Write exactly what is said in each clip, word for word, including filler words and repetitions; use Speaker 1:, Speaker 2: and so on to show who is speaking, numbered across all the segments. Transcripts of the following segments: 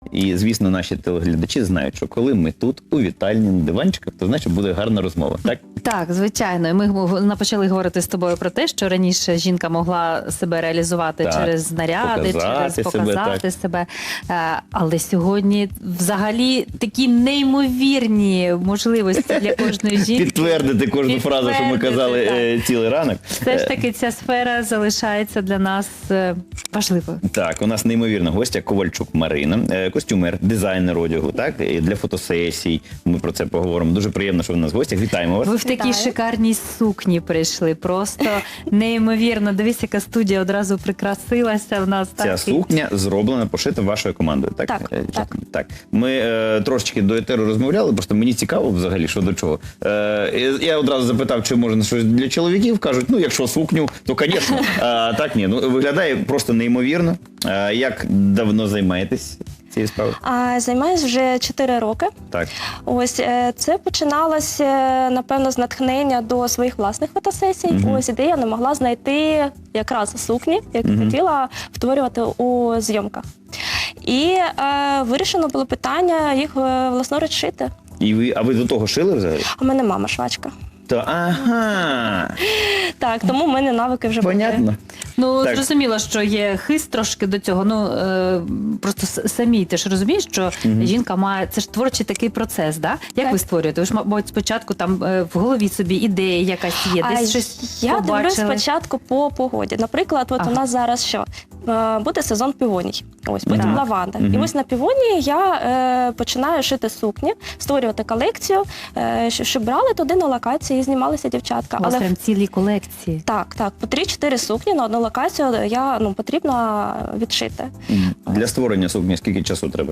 Speaker 1: І, звісно, наші телеглядачі знають, що коли ми тут, у вітальні, на диванчиках, то значить буде гарна розмова, так?
Speaker 2: Так, звичайно. Ми почали говорити з тобою про те, що раніше жінка могла себе реалізувати
Speaker 1: Так,
Speaker 2: через наряди,
Speaker 1: показати
Speaker 2: через
Speaker 1: себе,
Speaker 2: показати
Speaker 1: так.
Speaker 2: себе. Е, Але сьогодні взагалі такі неймовірні можливості для кожної жінки.
Speaker 1: Підтвердити кожну фразу, що ми
Speaker 2: Підтвердити,
Speaker 1: казали
Speaker 2: так.
Speaker 1: е, цілий ранок.
Speaker 2: Все ж таки ця сфера залишається для нас е, важливою.
Speaker 1: Так, у нас неймовірна гостя Ковальчук Марина, е, костюмер, дизайнер одягу, так, і для фотосесій. Ми про це поговоримо. Дуже приємно, що ви у нас в гостях. Вітаємо вас.
Speaker 2: Ви в такій
Speaker 3: Вітаю.
Speaker 2: шикарній сукні прийшли. Просто неймовірно. Дивись, яка студія одразу прикрасилася в нас.
Speaker 1: Ця
Speaker 2: так, і-
Speaker 1: сукня зроблена, пошита вашою командою, так?
Speaker 3: Так,
Speaker 1: Е,
Speaker 3: так.
Speaker 1: так. Ми е, трошечки до етеру розмовляли, просто мені цікаво взагалі, що до чого. Е, я одразу запитав, чи можна щось для чоловіків. Кажуть, ну, якщо сукню, то, звісно. А так, ні. Ну, виглядає просто неймовірно. А, як давно займаєтесь цією справою?
Speaker 3: А, займаюсь вже чотири роки.
Speaker 1: Так.
Speaker 3: Ось е, це починалося, напевно, з натхнення до своїх власних фотосесій.
Speaker 1: Мгм.
Speaker 3: Ось де я не могла знайти якраз сукні, які
Speaker 1: Мгм.
Speaker 3: хотіла втворювати у зйомках. І е, вирішено було питання їх е, власноруч шити.
Speaker 1: І ви, а ви до того шили взагалі?
Speaker 3: У мене мама швачка.
Speaker 1: То, ага,
Speaker 3: Так, тому в мене навики вже були.
Speaker 1: понятно.
Speaker 2: Ну,
Speaker 1: Так.
Speaker 2: зрозуміло, що є хист трошки до цього. Ну, е, просто с- самі, ти ж розумієш, що
Speaker 1: Мгм.
Speaker 2: жінка має, це ж творчий такий процес, да? Як
Speaker 3: Так.
Speaker 2: ви створюєте? Ви ж, мабуть, спочатку там е, в голові собі ідея якась є,
Speaker 3: А
Speaker 2: десь щось
Speaker 3: я дивлюсь
Speaker 2: побачили.
Speaker 3: спочатку по погоді. Наприклад, от
Speaker 2: Ага.
Speaker 3: у нас зараз що? Е, Буде сезон півоній. Ось, потім
Speaker 2: Так.
Speaker 3: лаванда.
Speaker 1: Мгм.
Speaker 3: І ось на півонії я е, починаю шити сукні, створювати колекцію, е, щ- щоб брали туди на локації і знімалися дівчатка.
Speaker 2: У вас
Speaker 3: Але
Speaker 2: прям цілі колекції.
Speaker 3: так, так, по три-чотири сукні на одну локацію я ну, потрібно відшити.
Speaker 1: М, Для створення сукні скільки часу треба?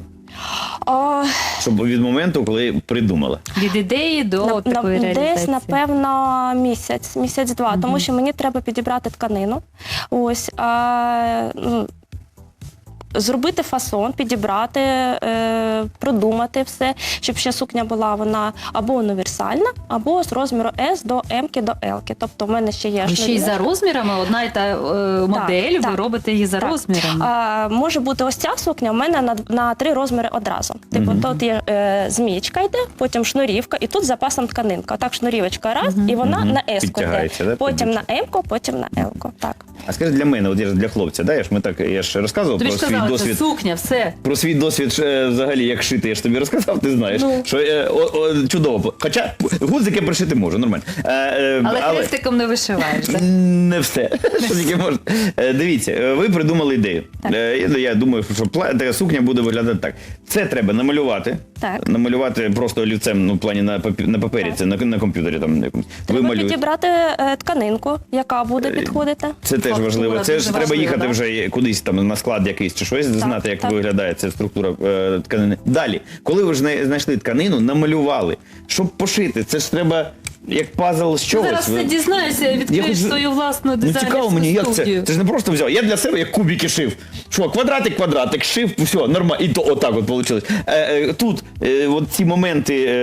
Speaker 3: О,
Speaker 1: Щоб від моменту, коли придумала.
Speaker 2: Від ідеї до
Speaker 3: на, на,
Speaker 2: такої реалізації.
Speaker 3: десь, напевно, місяць, місяць-два,
Speaker 2: Мгм.
Speaker 3: тому що мені треба підібрати тканину. Ось, а, ну, зробити фасон, підібрати, е, продумати все, щоб ще сукня була вона або універсальна, або з розміру С до М до Л. Тобто в мене ще є
Speaker 2: Ви ще й
Speaker 3: шнурівка.
Speaker 2: за розмірами, одна і та е, модель, ви
Speaker 3: так,
Speaker 2: робите її за
Speaker 3: так.
Speaker 2: розмірами.
Speaker 3: А, може бути ось ця сукня в мене на, на три розміри одразу. Типу,
Speaker 1: Мгм.
Speaker 3: тут є е, змієчка йде, потім шнурівка, і тут з запасом тканинка. Так, шнурівочка раз,
Speaker 2: Мгм.
Speaker 3: і вона
Speaker 1: Мгм.
Speaker 3: на С-ку йде.
Speaker 1: Підтягається, да,
Speaker 3: Потім
Speaker 1: під
Speaker 3: на М-ку, потім на Л-ку. Так.
Speaker 1: А скажи для мене, от я ж для хлопця, да, я ж ми так, я ж розказував
Speaker 2: Тобі
Speaker 1: про
Speaker 2: ж
Speaker 1: свій
Speaker 2: казали, це
Speaker 1: досвід.
Speaker 2: сукня, все.
Speaker 1: Про свій досвід е, взагалі, як шити, я ж тобі розказав, ти знаєш,
Speaker 3: Ну.
Speaker 1: що е, о, о, чудово. Хоча гудзики пришити можу, нормально. Е, е,
Speaker 2: Але хрестиком не вишиваєш. так?
Speaker 1: Не все. Що тільки можна. Е, Дивіться, е, ви придумали ідею.
Speaker 2: Так.
Speaker 1: Е, Я, я думаю, що пла- така сукня буде виглядати так. Це треба намалювати.
Speaker 3: Так.
Speaker 1: Намалювати просто олівцем, ну, в плані на, папі- на папері,
Speaker 3: Так.
Speaker 1: це на, на комп'ютері там на якомусь. Ви
Speaker 3: Треба
Speaker 1: малюєте.
Speaker 3: підібрати е, тканинку, яка буде підходити.
Speaker 1: Це теж
Speaker 2: Фактура
Speaker 1: важливо. Це
Speaker 2: дуже
Speaker 1: ж треба
Speaker 2: важлива,
Speaker 1: їхати
Speaker 2: да?
Speaker 1: вже кудись там на склад якийсь чи щось, знати, як
Speaker 3: так.
Speaker 1: виглядає ця структура е, тканини. Далі, коли ви ж знай- знайшли тканину, намалювали. Щоб пошити, це ж треба як пазл з
Speaker 2: Ти
Speaker 1: чогось.
Speaker 2: зараз
Speaker 1: Ви-
Speaker 2: все дізнаєшся, відкриєш
Speaker 1: хочу-
Speaker 2: свою власну
Speaker 1: Ну
Speaker 2: дизайнерську
Speaker 1: цікаво мені, як це?
Speaker 2: студію.
Speaker 1: Це ж не просто взяв. Я для себе як кубики шив. Що, квадратик, квадратик, шив, все, нормально. І то отак от вийшло. Е, е, тут е, от ці моменти е,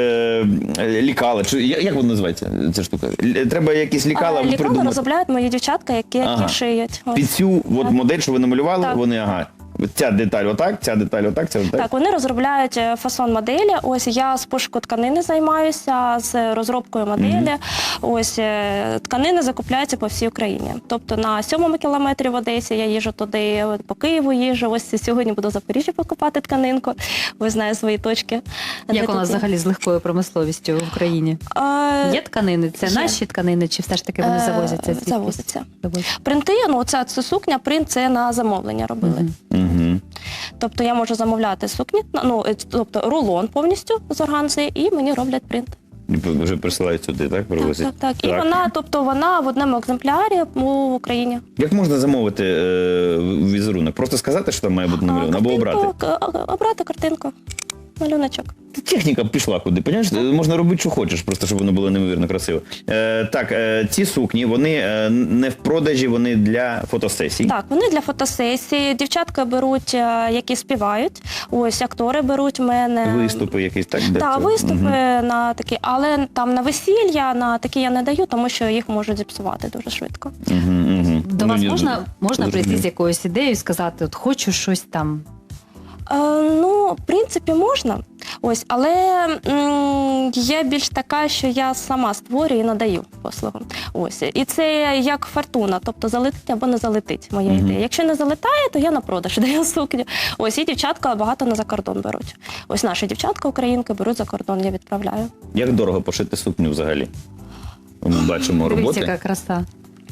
Speaker 1: е, лікала, чи я- як воно називається, ця штука? Л- Треба якісь лікала
Speaker 3: А, Лікала
Speaker 1: придумати.
Speaker 3: розробляють мої дівчатка, які, які
Speaker 1: Ага.
Speaker 3: шиють. Ось.
Speaker 1: Під цю от
Speaker 3: Так.
Speaker 1: модель, що ви намалювали,
Speaker 3: Так.
Speaker 1: вони, ага, ця деталь отак, ця деталь отак, ця деталь.
Speaker 3: Так, вони розробляють е, фасон моделі. Ось я з пошуку тканини займаюся, з розробкою моделі. Ось е, тканини закупляються по всій Україні. Тобто на сьомому кілометрі в Одесі я їжджу туди, от по Києву їжджу. Ось сьогодні буду в Запоріжжі покупати тканинку. Ось знаю свої точки. де
Speaker 2: Як у
Speaker 3: тут
Speaker 2: нас
Speaker 3: є.
Speaker 2: взагалі з легкою промисловістю в Україні?
Speaker 3: Е,
Speaker 2: Є тканини? Це
Speaker 3: є.
Speaker 2: наші тканини, чи все ж таки вони
Speaker 3: Е,
Speaker 2: завозяться? звідкись?
Speaker 3: завозяться.
Speaker 2: Завозяться.
Speaker 3: Принти, ну ця це сукня, принт це на замовлення робили.
Speaker 2: Мгм.
Speaker 1: Угу.
Speaker 3: Тобто я можу замовляти сукні, ну е, тобто рулон повністю з органзи, і мені роблять принт.
Speaker 1: Вже присилають сюди, так,
Speaker 3: Так,
Speaker 1: привозять?
Speaker 3: так, так. І вона, тобто вона в одному екземплярі у Україні.
Speaker 1: Як можна замовити е, візерунок? Просто сказати, що там має бути намальовано, або
Speaker 3: картинку,
Speaker 1: обрати?
Speaker 3: к- обрати картинку, малюночок.
Speaker 1: Техніка пішла куди, понимаєш? Можна робити, що хочеш, просто щоб воно було неймовірно красиво. Е, так, е, ці сукні, вони е, не в продажі, вони для фотосесій.
Speaker 3: Так, вони для фотосесії. Дівчатка беруть, е, які співають. Ось актори беруть в мене.
Speaker 1: Виступи якісь, так? для
Speaker 3: Так,
Speaker 1: цього?
Speaker 3: виступи
Speaker 1: Мгм.
Speaker 3: на такі, але там на весілля, на такі я не даю, тому що їх можуть зіпсувати дуже швидко.
Speaker 1: Мгм, мгм.
Speaker 2: До
Speaker 1: Ну,
Speaker 2: вас
Speaker 1: я
Speaker 2: можна, можна прийти
Speaker 1: зрозумів.
Speaker 2: з якоюсь ідеєю і сказати, от хочу щось там.
Speaker 3: Е, ну, в принципі, можна. Ось, але м, я більш така, що я сама створюю і надаю послугу. Ось. І це як фортуна, тобто залетить або не залетить моя
Speaker 1: Мгм.
Speaker 3: ідея. Якщо не залетає, то я на продаж даю сукню. Ось, і дівчатка багато на закордон беруть. Ось наші дівчатка українки беруть за кордон, я відправляю.
Speaker 1: Як дорого пошити сукню взагалі? Ми бачимо
Speaker 2: Дивись,
Speaker 1: роботи.
Speaker 2: яка краса.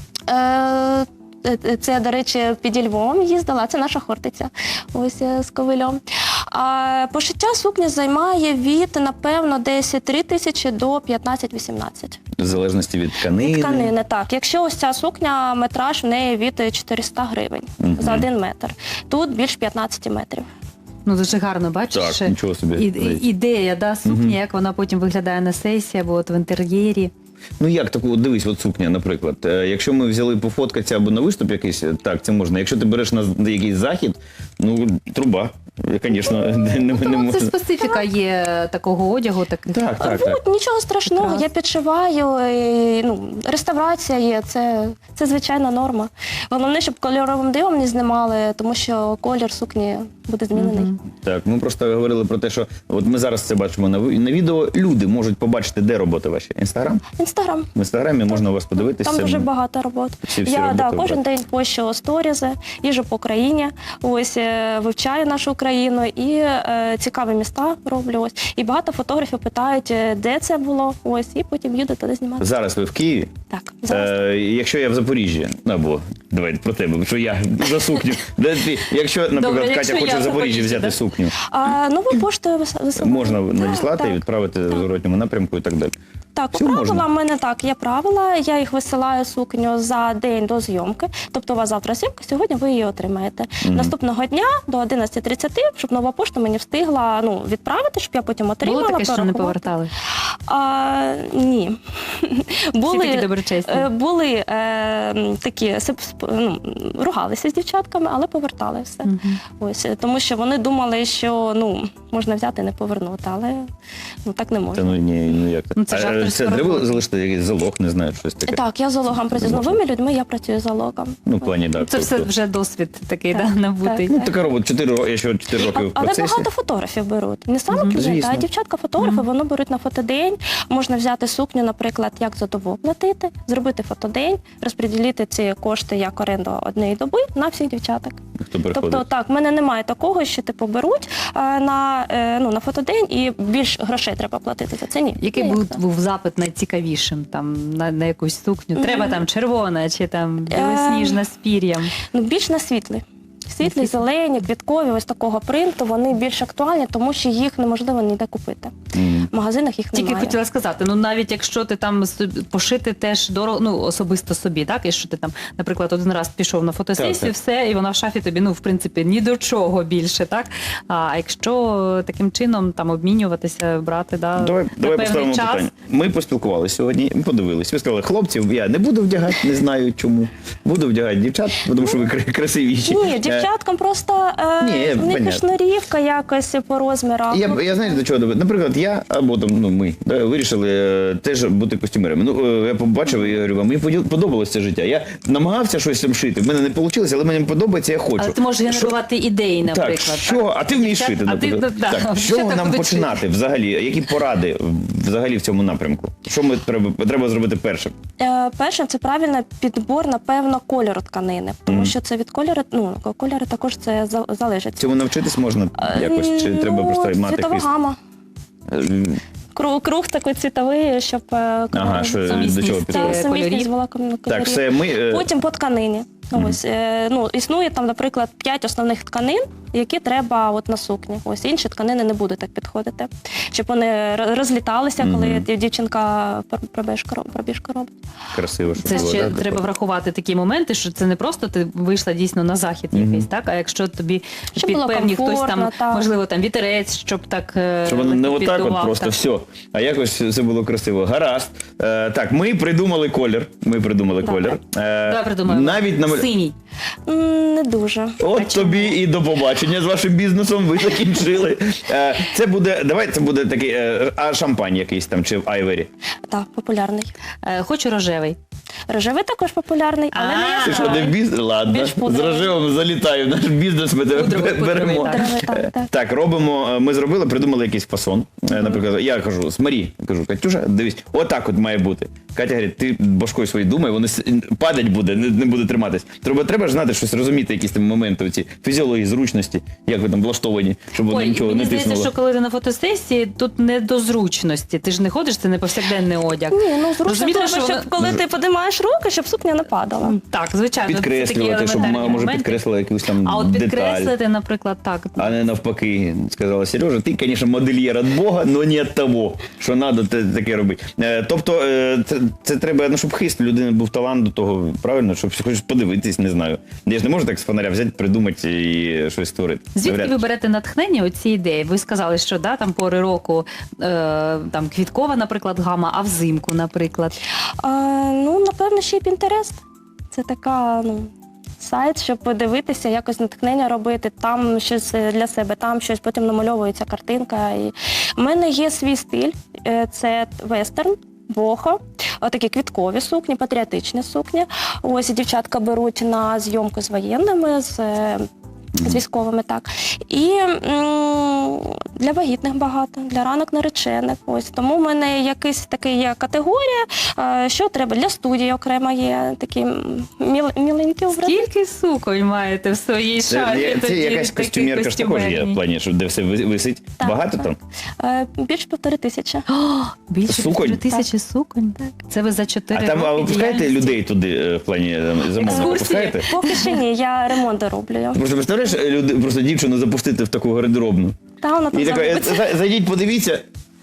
Speaker 3: Е, Це, до речі, під Львовом їздила, це наша Хортиця, ось е, з ковилем. А пошиття сукні займає від, напевно, десь три тисячі до п'ятнадцять-вісімнадцять.
Speaker 1: В залежності від тканини.
Speaker 3: Від тканини, так. Якщо ось ця сукня, метраж в неї від чотириста гривень
Speaker 1: Мгм.
Speaker 3: за один метр. Тут більш п'ятнадцять метрів.
Speaker 2: Ну, дуже гарно, бачиш?
Speaker 1: Так,
Speaker 2: ще
Speaker 1: нічого собі.
Speaker 2: і- ідея, да, сукні, як вона потім виглядає на сесії або от в інтер'єрі.
Speaker 1: Ну як таку, дивись, от сукня, наприклад. Е, Якщо ми взяли пофоткатися або на виступ якийсь, так, це можна. Якщо ти береш на з- якийсь захід, ну, труба. Звісно, не, не, не
Speaker 2: Ну, це
Speaker 1: можна.
Speaker 2: специфіка є такого одягу, таких.
Speaker 1: Так, так,
Speaker 3: Ну,
Speaker 1: так.
Speaker 3: нічого страшного,
Speaker 2: Прекрасно.
Speaker 3: я підшиваю, і, ну, реставрація є, це, це звичайна норма. Головне, щоб кольоровим дивом не знімали, тому що колір сукні буде змінений.
Speaker 2: Мгм.
Speaker 1: Так, ми просто говорили про те, що от ми зараз це бачимо на, ви- на відео. Люди можуть побачити, де роботи ваші. Інстаграм?
Speaker 3: Інстаграм.
Speaker 1: В інстаграмі можна у вас подивитися.
Speaker 3: Там дуже багато робот.
Speaker 1: Всі- всі
Speaker 3: я
Speaker 1: роботи
Speaker 3: да, кожен
Speaker 1: обрати.
Speaker 3: день пощу сторізи, їжу по країні, ось е, вивчаю нашу країну і е, цікаві міста роблю. Ось. І багато фотографів питають, е, де це було, ось, і потім їду туди знімати.
Speaker 1: Зараз ви в Києві.
Speaker 3: Так, зараз.
Speaker 1: Е, якщо я в Запоріжжі, ну, або давайте про тебе, бо що я за сукню. Де ти, якщо, наприклад,
Speaker 2: Добре,
Speaker 1: Катя
Speaker 2: якщо
Speaker 1: хоче
Speaker 2: я
Speaker 1: в
Speaker 2: в
Speaker 1: Запоріжжі
Speaker 2: Запоріжжі,
Speaker 1: взяти
Speaker 2: да?
Speaker 1: сукню,
Speaker 3: А нову поштою вис- висилаю.
Speaker 1: можна надіслати
Speaker 3: Так,
Speaker 1: і відправити в зворотньому напрямку і так далі.
Speaker 3: Так, по
Speaker 1: Все можна.
Speaker 3: правилам в мене так, є правила, я їх висилаю сукню за день до зйомки. Тобто у вас завтра зйомка, сьогодні ви її отримаєте.
Speaker 1: Мгм.
Speaker 3: Наступного дня до одинадцяти тридцяти, щоб нова пошта мені встигла ну, відправити, щоб я потім отримала.
Speaker 2: Було таке, що не
Speaker 3: порахувала.
Speaker 2: повертали?
Speaker 3: А, ні.
Speaker 2: Всі такі доброчесні.
Speaker 3: е, були е, м, такі, сип- сп- ну, ругалися з дівчатками, але повертали все.
Speaker 2: Мгм.
Speaker 3: Ось, е, тому що вони думали, що ну, можна взяти і не повернути, але ну, так не
Speaker 1: Це
Speaker 3: можна.
Speaker 1: ну ні, ну як
Speaker 2: Ну, це
Speaker 1: А,
Speaker 2: ж
Speaker 1: е,
Speaker 2: авторська
Speaker 1: це треба
Speaker 2: робота.
Speaker 1: залишити якийсь залог, не знаю, щось таке.
Speaker 3: Так, я залогом працюю. З новими людьми я працюю залогом.
Speaker 1: Ну, в плані, так.
Speaker 2: Це все
Speaker 1: тобто-
Speaker 2: вже досвід такий,
Speaker 3: Так,
Speaker 2: да, набутий.
Speaker 1: Ну, така робота, чотири роки, я ще чотири роки в
Speaker 3: Але
Speaker 1: процесі.
Speaker 3: багато фотографів беруть. Не саме клієнти,
Speaker 1: Звісно.
Speaker 3: а дівчатка-фотографи, вони беруть на фотодень. Можна взяти сукню, наприклад, як за добу платити, зробити фотодень, розподілити ці кошти як оренду однієї доби на всіх дівчаток.
Speaker 1: Хто приходить.
Speaker 3: Тобто, так, в мене немає такого, що типу беруть е, на, е, ну, на фотодень і більш грошей треба платити за це. Ні.
Speaker 2: Який
Speaker 3: Ні,
Speaker 2: був,
Speaker 3: як це.
Speaker 2: був запит найцікавішим там на, на якусь сукню?
Speaker 3: Мгм.
Speaker 2: Треба там червона чи там
Speaker 3: Ем.
Speaker 2: білосніжна з пір'ям?
Speaker 3: Ну, більш на світлий. Світлі,
Speaker 2: світлий.
Speaker 3: зелені, квіткові, ось такого принту, вони більш актуальні, тому що їх неможливо ніде купити.
Speaker 1: Мгм.
Speaker 3: В магазинах їх
Speaker 2: Тільки
Speaker 3: немає.
Speaker 2: хотіла сказати, ну навіть якщо ти там собі- пошити теж дорого, ну особисто собі, так, і що ти там, наприклад, один раз пішов на фотосесію,
Speaker 1: Так, так.
Speaker 2: все, і вона в шафі тобі, ну, в принципі, ні до чого більше, так? А якщо таким чином там обмінюватися, брати, да,
Speaker 1: Давай,
Speaker 2: на
Speaker 1: давай
Speaker 2: певний
Speaker 1: поставимо
Speaker 2: час.
Speaker 1: питання. Ми поспілкувалися сьогодні, ми подивилися. Ви сказали, хлопців я не буду вдягати, не знаю чому. Буду вдягати дівчат, тому що ви кра- красивіші.
Speaker 3: Ні,
Speaker 1: Е,
Speaker 3: дівчаткам просто е,
Speaker 1: Ні,
Speaker 3: в них
Speaker 1: понятно.
Speaker 3: і шнурівка якось по розмірах.
Speaker 1: Я,
Speaker 3: Ну,
Speaker 1: я знаєте, до чого доведу? Наприклад, я або там ну ми да, вирішили е, теж бути костюмерами. Ну е, я побачив і говорю, вам мені поділ- подобалось це життя. Я намагався щось там шити. В мене не вийшло, але мені подобається, я хочу.
Speaker 2: Але ти можеш
Speaker 1: Що-
Speaker 2: генерувати ідеї, наприклад.
Speaker 1: Так, що, а ти вмієш
Speaker 2: Дівчат-
Speaker 1: шити,
Speaker 2: а ти,
Speaker 1: наприклад.
Speaker 2: да,
Speaker 1: так,
Speaker 2: вже
Speaker 1: що
Speaker 2: так
Speaker 1: нам
Speaker 2: будуть
Speaker 1: починати взагалі? Які поради взагалі в цьому напрямку? Що ми треба, треба зробити першим?
Speaker 3: Е, Перше, це правильний підбор, напевно, кольору тканини, тому
Speaker 1: Мгм.
Speaker 3: що це від кольору, ну, кольори також це за- залежить.
Speaker 1: Цьому навчитись можна якось? Чи
Speaker 3: М,
Speaker 1: треба
Speaker 3: ну,
Speaker 1: просто мати
Speaker 3: цвітова
Speaker 1: якийсь...
Speaker 3: гама.
Speaker 1: Е,
Speaker 3: Круг, круг такий цвітовий, щоб е,
Speaker 1: Ага,
Speaker 3: кольори-
Speaker 1: що до
Speaker 2: Сумісність,
Speaker 1: чого
Speaker 2: так,
Speaker 1: підходить?
Speaker 3: Та, сумісність
Speaker 2: кольорів.
Speaker 3: була кольорів.
Speaker 1: Так, все, ми... е,
Speaker 3: Потім по тканині.
Speaker 1: Мгм.
Speaker 3: Ось, е, ну, існує там, наприклад, п'ять основних тканин, які треба от на сукні. Ось інші тканини не будуть так підходити, щоб вони р- розліталися, коли
Speaker 1: Мгм.
Speaker 3: дів- дівчинка пр- пробіжку роб- пробіжку робить.
Speaker 1: Красиво, щоб
Speaker 2: Це
Speaker 1: було,
Speaker 2: ще
Speaker 1: да,
Speaker 2: треба
Speaker 1: таке?
Speaker 2: врахувати такі моменти, що це не просто ти вийшла дійсно на захід
Speaker 1: Мгм.
Speaker 2: якийсь, так? А якщо тобі
Speaker 3: Щоб
Speaker 2: під
Speaker 3: було
Speaker 2: певні хтось там,
Speaker 3: комфортно, так.
Speaker 2: можливо, там вітерець, щоб так е,
Speaker 1: Щоб воно не отак от
Speaker 2: піддував,
Speaker 1: просто
Speaker 2: так.
Speaker 1: все, а якось все було красиво. Гаразд. Е, так, ми придумали колір. Ми придумали
Speaker 3: Давай.
Speaker 1: колір. Е,
Speaker 2: Давай придумаємо.
Speaker 1: навіть на
Speaker 2: Синій.
Speaker 3: М, Не дуже.
Speaker 1: От тобі і до побачення з вашим бізнесом. Ви закінчили. Е, це буде, давай це буде такий, е, а шампань якийсь там чи в Айвері.
Speaker 3: Так, популярний.
Speaker 2: Е, Хочу рожевий.
Speaker 3: Рожевий також популярний, але не
Speaker 2: А.
Speaker 1: Ти що, не в
Speaker 3: яскравий.
Speaker 1: бізнес? Ладно,
Speaker 3: Більш
Speaker 1: з
Speaker 3: пудровий.
Speaker 1: рожевим залітаю в наш бізнес, ми тебе
Speaker 2: Пудровий,
Speaker 1: беремо.
Speaker 2: пудровий, так.
Speaker 3: Пудровий, так, так.
Speaker 1: Так, робимо, ми зробили, придумали якийсь фасон. Е, Наприклад, я кажу, смотри, кажу, Катюша, дивись, отак от має бути. Катя говорить, ти башкою своєю думай, воно с- падать буде, не, не буде триматись. Треба, треба ж знати щось, розуміти, якісь там моменти, оці фізіології, зручності, як ви там влаштовані, щоб воно
Speaker 2: Ой,
Speaker 1: нічого
Speaker 2: мені
Speaker 1: не
Speaker 2: здається,
Speaker 1: тиснуло.
Speaker 2: що коли ти на фотосесії, тут не до зручності. Ти ж не ходиш, це не повсякденний одяг.
Speaker 3: Ні, ну зручно
Speaker 2: Розумієте,
Speaker 3: треба,
Speaker 2: що
Speaker 3: щоб
Speaker 2: вона-
Speaker 3: коли ти піднімаєш руки, щоб сукня не падала.
Speaker 2: Так, звичайно. це такі
Speaker 1: Підкреслювати, щоб
Speaker 2: елементарні
Speaker 1: може
Speaker 2: моменти.
Speaker 1: підкреслила якусь там
Speaker 2: А от
Speaker 1: деталь.
Speaker 2: підкреслити, наприклад, так.
Speaker 1: А не навпаки, сказала Сережа, ти, звісно, модельєр від Бога, але не від того, що треба таке робити. Е, Тобто, е, це, це треба, ну, щоб хист людини був талант до того, правильно, щоб хочеш подивитись, не знаю. Я ж не можу так з фонаря взяти, придумати і щось створити.
Speaker 2: Звідки
Speaker 1: Навряд
Speaker 2: ви
Speaker 1: чи.
Speaker 2: берете натхнення у ці ідеї? Ви сказали, що да, там пори року е, там квіткова, наприклад, гама, а взимку, наприклад.
Speaker 3: А, ну, напевно, ще й Pinterest. Це така, ну, сайт, щоб подивитися, якось натхнення робити, там щось для себе, там щось, потім намальовується картинка. І... У мене є свій стиль, е, це вестерн. Бохо, такі квіткові сукні, патріотичні сукні. Ось дівчатка беруть на зйомку з воєнними, з, е, з військовими, так. І м, для вагітних багато, для ранок наречених. Ось. Тому в мене якась така є категорія, е, що треба. Для студії окремо є такі міл, міленькі образи.
Speaker 2: Скільки суконь маєте в своїй
Speaker 1: Це,
Speaker 2: шафі?
Speaker 1: є- це
Speaker 2: тоді,
Speaker 1: якась
Speaker 2: таких
Speaker 1: костюмерка ж також є, в
Speaker 2: костюмерній?
Speaker 1: плані, що де все ви- висить.
Speaker 3: Так,
Speaker 1: Багато
Speaker 3: так.
Speaker 1: там?
Speaker 3: Е, більше півтори тисячі.
Speaker 2: О, більше
Speaker 1: Суконь?
Speaker 2: півтори тисячі суконь? Це ви за чотири
Speaker 1: А там а ви
Speaker 2: роки
Speaker 1: пускаєте
Speaker 2: діяльності?
Speaker 1: людей туди, е, в плані е, замовника?
Speaker 2: Екскурсії?
Speaker 1: Пускаєте?
Speaker 3: Поки що ні, я ремонти роблю.
Speaker 1: Просто представляєш, е, люди, просто дівчину запустити в таку гардеробну.
Speaker 3: Та вона там
Speaker 1: І така, е,
Speaker 3: забудеться.
Speaker 1: за- зайдіть, подивіться,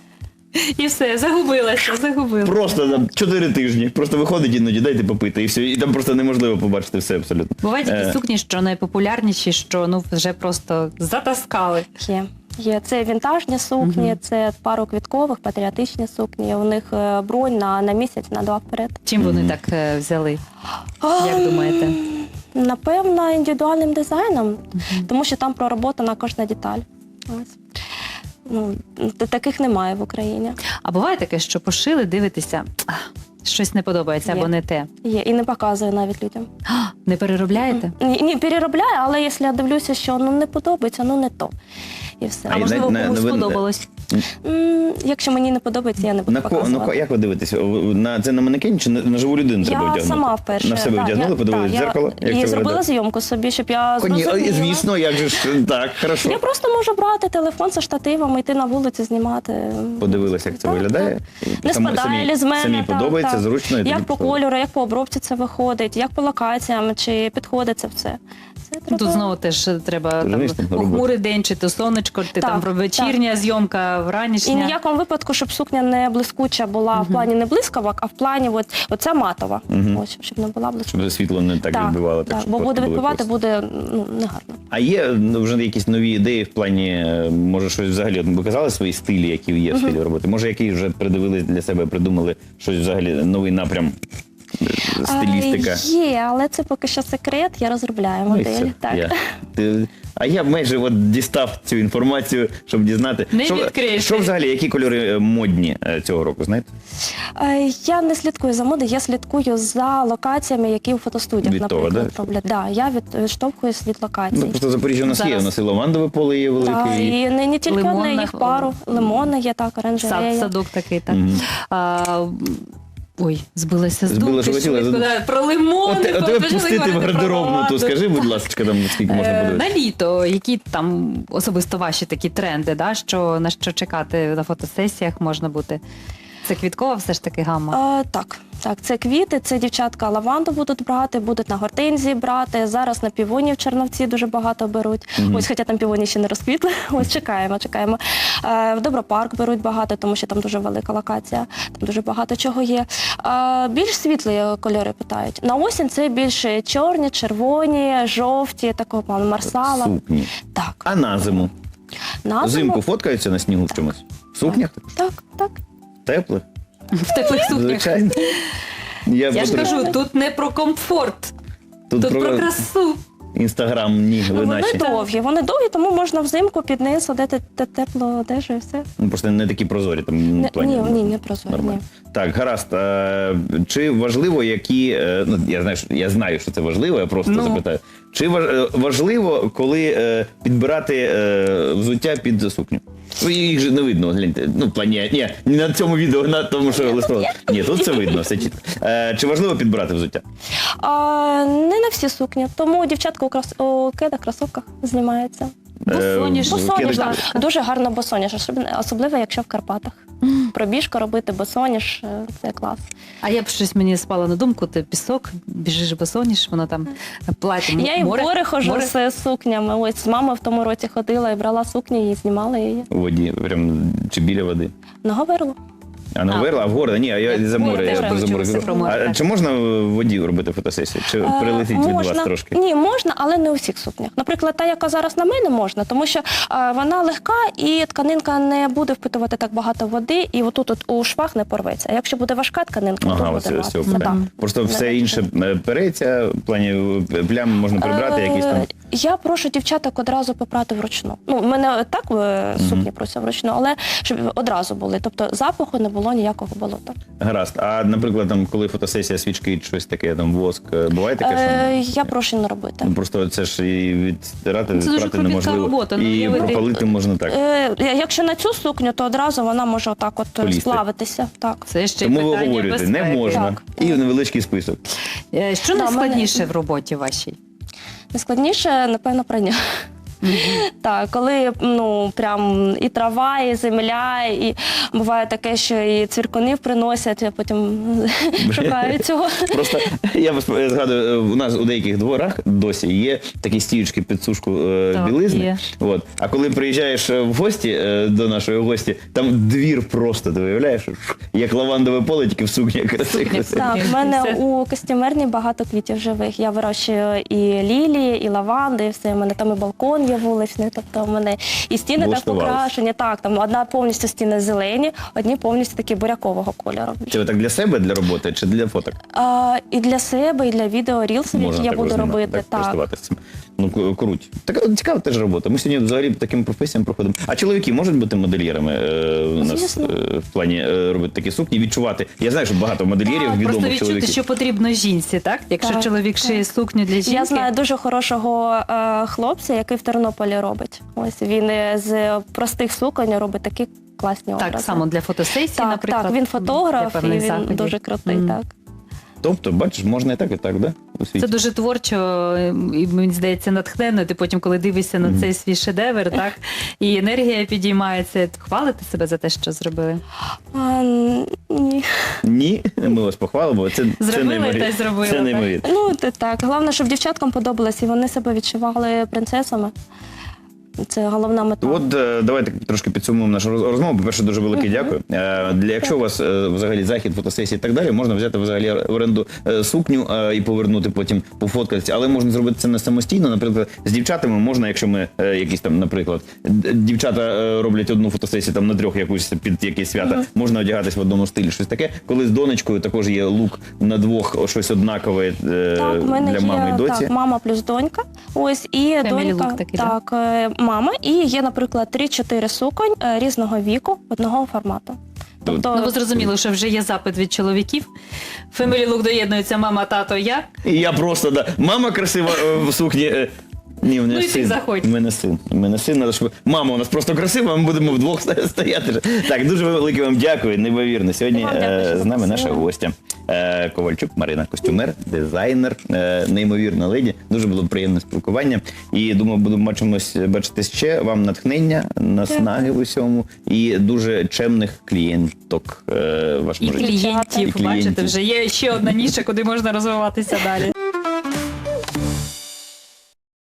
Speaker 2: І все, загубилася, загубилася.
Speaker 1: просто там чотири тижні. Просто виходить іноді, дайте попити, і все. І там просто неможливо побачити все абсолютно.
Speaker 2: Бувають такі
Speaker 1: Е,
Speaker 2: сукні, що найпопулярніші, що ну вже просто затаскали.
Speaker 3: Є. Є. Це вінтажні сукні, це пару квіткових, патріотичні сукні. У них е, бронь на, на місяць, на два вперед.
Speaker 2: Чим вони так е, взяли? Як думаєте?
Speaker 3: Напевно, індивідуальним дизайном, тому що там пророботана кожна деталь. Ось. Ну, т- таких немає в Україні.
Speaker 2: А буває таке, що пошили, дивитеся, «А, щось не подобається
Speaker 3: Є.
Speaker 2: або не те.
Speaker 3: Є. І не показую навіть людям.
Speaker 2: «А, Не переробляєте?
Speaker 3: Ні, ні, переробляю, але якщо я дивлюся, що ну, не подобається, ну не то. І все.
Speaker 2: А
Speaker 1: і
Speaker 2: можливо,
Speaker 1: на- на-
Speaker 2: комусь
Speaker 1: ви-
Speaker 2: сподобалось?
Speaker 3: М, Якщо мені не подобається, я не буду
Speaker 1: На ко, ну,
Speaker 3: показувати.
Speaker 1: ко- як ви дивитеся? На, це на манекені чи на, на живу людину треба
Speaker 3: Я
Speaker 1: одягнути?
Speaker 3: сама вперше.
Speaker 1: На себе
Speaker 3: да,
Speaker 1: вдягнули,
Speaker 3: я-
Speaker 1: подивились
Speaker 3: да,
Speaker 1: в дзеркало?
Speaker 3: Я,
Speaker 1: Як
Speaker 3: і
Speaker 1: це
Speaker 3: зробила
Speaker 1: виглядає?
Speaker 3: зйомку собі, щоб я
Speaker 1: Коні,
Speaker 3: зрозуміла.
Speaker 1: звісно, як же ж, так, хорошо.
Speaker 3: Я просто можу брати телефон зі штативом, йти на вулицю, знімати.
Speaker 1: Подивилася, як це
Speaker 3: Так,
Speaker 1: виглядає.
Speaker 3: Не
Speaker 1: Самі-
Speaker 3: спадає
Speaker 1: самі-
Speaker 3: ли з мене.
Speaker 1: Самі
Speaker 3: так,
Speaker 1: подобається,
Speaker 3: так.
Speaker 1: зручно. і тоді
Speaker 3: Як по
Speaker 1: пішли.
Speaker 3: кольору, як по обробці це виходить, як по локаціям, чи підходить це все. Це треба...
Speaker 2: Тут знову теж треба там,
Speaker 1: Розумієш, там робота.
Speaker 2: похмурий день, чи то сонечко, ти
Speaker 3: Так,
Speaker 2: там про вечірня зйомка,
Speaker 3: І
Speaker 2: вранішня.
Speaker 3: ні в якому випадку, щоб сукня не блискуча була в плані не блискавок, а в плані от, оця матова.
Speaker 1: Мгм.
Speaker 3: Ось, щоб не була блискуча.
Speaker 1: Щоб світло не так, відбивало.
Speaker 3: так,
Speaker 1: щоб
Speaker 3: бо
Speaker 1: фотки
Speaker 3: буде
Speaker 1: були
Speaker 3: відбивати,
Speaker 1: просто.
Speaker 3: буде ну, негарно.
Speaker 1: А є ну, вже якісь нові ідеї в плані, е, може щось взагалі, от ви казали свої стилі, які є в стилі роботи? Може, які вже придивили для себе, придумали щось взагалі, новий напрям, е, стилістика?
Speaker 3: А, є, але це поки що секрет, я розробляю
Speaker 1: Ну, і
Speaker 3: модель.
Speaker 1: все.
Speaker 3: так.
Speaker 1: Я. Ти- А я майже от дістав цю інформацію, щоб дізнати.
Speaker 2: Не
Speaker 1: що,
Speaker 2: відкриєш.
Speaker 1: що взагалі, які кольори е, модні е, цього року, знаєте?
Speaker 3: Е, Я не слідкую за модою, я слідкую за локаціями, які у фотостудіях,
Speaker 1: Від того,
Speaker 3: наприклад,
Speaker 1: да?
Speaker 3: роблять. Да, я від, відштовхуюсь від локацій.
Speaker 1: Ну, просто Запоріжжя у нас
Speaker 2: Зараз.
Speaker 1: є, у нас і лавандове поле є велике.
Speaker 3: Так,
Speaker 1: і...
Speaker 3: і не, не тільки одне,
Speaker 2: Лимонна,
Speaker 3: їх пару. Лимонна є, так,
Speaker 2: Сад,
Speaker 3: оранжерея.
Speaker 2: садок такий, так.
Speaker 1: Мгм.
Speaker 2: А, ой, збилася з
Speaker 1: Збила,
Speaker 2: думки.
Speaker 1: що хотіла,
Speaker 2: швидко,
Speaker 1: забула.
Speaker 2: да, про лимони.
Speaker 1: От, от тебе
Speaker 2: почали
Speaker 1: пустити в
Speaker 2: говорити про
Speaker 1: гардеробну, то
Speaker 2: лаванду.
Speaker 1: скажи, будь ласка, там скільки можна
Speaker 2: Е,
Speaker 1: подивитися?
Speaker 2: На літо, які там особисто ваші такі тренди, да? що, на що чекати на фотосесіях можна бути? Це квіткова все ж таки гамма?
Speaker 3: Е, так, так, це квіти, це дівчатка лаванду будуть брати, будуть на гортензії брати. Зараз на півоні в Черновці дуже багато беруть.
Speaker 1: Мгм.
Speaker 3: Ось, хоча там півоні ще не розквітли. Ось чекаємо, чекаємо. Е, в Добропарк беруть багато, тому що там дуже велика локація, там дуже багато чого є. Е, більш світлі кольори питають. На осінь це більш чорні, червоні, жовті, такого плану марсала.
Speaker 1: Сукні.
Speaker 3: Так.
Speaker 1: А на зиму?
Speaker 3: На зиму-
Speaker 1: Взимку фоткаються на снігу в чомусь? В сукнях?
Speaker 3: Так, так.
Speaker 1: Теплих?
Speaker 2: В теплих сукнях.
Speaker 1: Звичайно. Я,
Speaker 2: Я ж
Speaker 1: просто-
Speaker 2: кажу, тут не про комфорт,
Speaker 1: тут
Speaker 2: тут про красу.
Speaker 1: інстаграмні ви
Speaker 3: Ну, вони
Speaker 1: наші.
Speaker 3: довгі, вони довгі, тому можна взимку під низ одeti те- теплу одежу і все.
Speaker 1: Ну, просто не такі прозорі там
Speaker 3: Не-
Speaker 1: в плані.
Speaker 3: ні, ні, не прозорі,
Speaker 1: Нормально.
Speaker 3: ні.
Speaker 1: Так, гаразд. Е, Чи важливо, які. е, Ну, я знаю, що- я знаю, що це важливо, я просто
Speaker 2: Ну.
Speaker 1: запитаю. Чи важ- е, важливо, коли е, підбирати е, взуття під сукню? Ну, їх же не видно, гляньте. Ну, в плані, ні, не на цьому відео, на тому, що листок. Ні, тут це видно, все чітко. Е, Чи важливо підбирати взуття?
Speaker 3: А, не на всі сукні, тому дівчатка у, крос... у кедах, кросовках знімаються.
Speaker 2: Босоніж.
Speaker 1: Е,
Speaker 3: Босоніж,
Speaker 1: кеди-
Speaker 3: так. Дуже гарно босоніж, особливо- особливо якщо в Карпатах. Пробіжку робити босоніж е, це клас.
Speaker 2: А я б щось мені спала на думку, ти пісок, біжиш босоніж, воно там плаття, м-
Speaker 3: Я і в
Speaker 2: море,
Speaker 3: гори ходжу
Speaker 2: море.
Speaker 3: з сукнями. Ось з мамою в тому році ходила і брала сукні і знімала її.
Speaker 1: У воді, прям чи біля води.
Speaker 3: На Говерло.
Speaker 1: А на
Speaker 2: А.
Speaker 1: Говерла, а в города? Ні, а я за
Speaker 2: Ой,
Speaker 1: море.
Speaker 2: я
Speaker 1: Я
Speaker 2: теж
Speaker 1: за
Speaker 2: хочу
Speaker 1: море
Speaker 2: все
Speaker 1: кажу.
Speaker 2: про море,
Speaker 1: А
Speaker 2: так.
Speaker 1: чи можна в воді робити фотосесію? Чи
Speaker 3: Е,
Speaker 1: прилетить від вас
Speaker 3: можна.
Speaker 1: трошки?
Speaker 3: Ні, можна, але не у всіх сукнях. Наприклад, та, яка зараз на мене, можна, тому що е, вона легка і тканинка не буде впитувати так багато води, і отут от у швах не порветься. А якщо буде важка тканинка,
Speaker 1: Ага,
Speaker 3: то
Speaker 1: ось
Speaker 3: буде
Speaker 1: ось цього
Speaker 3: рватися.
Speaker 1: питання.
Speaker 3: Так.
Speaker 1: Просто все
Speaker 3: Не
Speaker 1: інше е, переться, в плані е, плям можна прибрати,
Speaker 3: Е,
Speaker 1: якісь там.
Speaker 3: Я прошу дівчаток одразу попрати вручну. Ну, в мене так е, сукні пруться вручну, але щоб одразу були. Тобто запаху не було ніякого болота.
Speaker 1: Гаразд. А, наприклад, там, коли фотосесія свічки, щось таке, там воск, е, буває таке,
Speaker 3: Е,
Speaker 1: що
Speaker 3: я прошу не робити.
Speaker 1: ну, просто це ж і відстирати,
Speaker 2: Це дуже
Speaker 1: відпрати
Speaker 2: кропітка
Speaker 1: неможливо.
Speaker 2: робота, ну,
Speaker 1: І
Speaker 2: уявити.
Speaker 1: пропалити можна так.
Speaker 3: Е, якщо на цю сукню, то одразу вона може отак от е,
Speaker 1: Полізти.
Speaker 3: сплавитися. Так.
Speaker 2: Це ще й
Speaker 1: Тому ви
Speaker 2: питання
Speaker 1: говорите, не
Speaker 2: безпеки.
Speaker 1: можна.
Speaker 3: Так.
Speaker 1: І невеличкий список.
Speaker 2: Е, Що
Speaker 3: Да,
Speaker 2: найскладніше
Speaker 3: мене-
Speaker 2: в роботі вашій?
Speaker 3: Найскладніше, напевно, прання. Так, коли ну прям і трава, і земля, і буває таке, що і цвіркунів приносять, а потім шукають цього.
Speaker 1: Просто я вас згадую, е, у нас у деяких дворах досі є такі стіючки під сушку е,
Speaker 2: Так,
Speaker 1: білизни.
Speaker 2: є.
Speaker 1: От. А коли приїжджаєш е, в гості е, до нашої гості, там двір просто, ти виявляєш, Шух, як лавандове поле, тільки в сукні красиві.
Speaker 3: Так, в мене
Speaker 2: Все.
Speaker 3: у костюмерні багато квітів живих. Я вирощую і лілії, і лаванди, і все. У мене там і балкон є вуличний, тобто в мене і стіни так
Speaker 1: Влаштувались.
Speaker 3: покрашені. Так, там одна повністю стіни зелені, одні повністю такі бурякового кольору.
Speaker 1: Це ви так для себе, для роботи чи для фоток?
Speaker 3: А, і для себе, і для відео рілсів, які я
Speaker 1: так
Speaker 3: буду
Speaker 1: знімати,
Speaker 3: робити.
Speaker 1: так,
Speaker 3: Так.
Speaker 1: користуватися цим. Ну, к- круть. Така цікава теж робота. Ми сьогодні взагалі по таким професіям проходимо. А чоловіки можуть бути модельєрами е, у нас
Speaker 3: Звісно.
Speaker 1: е, в плані е, робити такі сукні, відчувати. Я знаю, що багато модельєрів
Speaker 3: Так,
Speaker 1: відомих
Speaker 2: Просто відчути,
Speaker 1: чоловіків.
Speaker 2: що потрібно жінці, так? Якщо
Speaker 3: Так,
Speaker 2: чоловік шиє сукню для жінки.
Speaker 3: Я знаю дуже хорошого е, хлопця, який в Тернополі робить. Ось він е, з простих суконь робить такі класні образи.
Speaker 2: Так, само для фотосесії,
Speaker 3: так,
Speaker 2: наприклад.
Speaker 3: так, він фотограф,
Speaker 2: для
Speaker 3: і
Speaker 2: певних
Speaker 3: він
Speaker 2: заходів.
Speaker 3: дуже крутий.
Speaker 2: Мгм.
Speaker 3: Так.
Speaker 1: Тобто, бачиш, можна і так, і так, да? У світі.
Speaker 2: Це дуже творчо, і мені здається, натхненно. Ти потім, коли дивишся на цей свій шедевр, так і енергія підіймається. Хвалити себе за те, що зробили.
Speaker 3: А, ні.
Speaker 1: Ні, ми вас похвалимо. Це, це
Speaker 2: Зробили,
Speaker 1: неймовірно.
Speaker 2: та й зробили,
Speaker 1: Це
Speaker 2: так.
Speaker 1: неймовірно.
Speaker 3: Ну, це так. Головне, щоб дівчаткам подобалось, і вони себе відчували принцесами. Це головна мета.
Speaker 1: От е, давайте трошки підсумуємо нашу роз- розмову. По-перше, дуже велике дякую. Е, Для якщо у вас е, взагалі захід, фотосесії і так далі, можна взяти взагалі в оренду е, сукню е, і повернути потім пофоткатися. Але можна зробити це не самостійно. Наприклад, з дівчатами можна, якщо ми е, якісь там, наприклад, д- дівчата е, роблять одну фотосесію там на трьох якусь під якісь свята, можна одягатись в одному стилі, щось таке. Коли з донечкою також є лук на двох, щось однакове е,
Speaker 3: Так, в мене
Speaker 1: для мами і
Speaker 3: є
Speaker 1: доці.
Speaker 3: так, мама плюс донька. Ось і
Speaker 2: Family
Speaker 3: донька.
Speaker 2: look такий,
Speaker 3: так, е, мама, і є, наприклад, три-чотири суконь е, різного віку одного формату. Тобто,
Speaker 2: Ну, ви зрозуміли, що вже є запит від чоловіків. Family Look доєднується мама, тато, я.
Speaker 1: І я просто, да. Мама красива е, в сукні. е, Ні, у мене
Speaker 2: Ну, і ти
Speaker 1: син.
Speaker 2: заходь.
Speaker 1: У мене син. У мене син, надо, щоб... Мама у нас просто красива, ми будемо вдвох стояти. Так, дуже велике вам дякую, неймовірно. Сьогодні
Speaker 3: Вам дякую,
Speaker 1: е,
Speaker 3: що
Speaker 1: з нами наша
Speaker 3: запросили.
Speaker 1: гостя. Е, Ковальчук Марина, костюмер, дизайнер, е, неймовірна леді. Дуже було приємне спілкування. І думаю, будемо бачимось, бачитись ще. Вам натхнення, наснаги в усьому і дуже чемних клієнток е, в
Speaker 2: І
Speaker 1: вашому житті.
Speaker 2: клієнтів,
Speaker 1: І клієнтів.
Speaker 2: бачите, вже є ще одна ніша, куди можна розвиватися далі.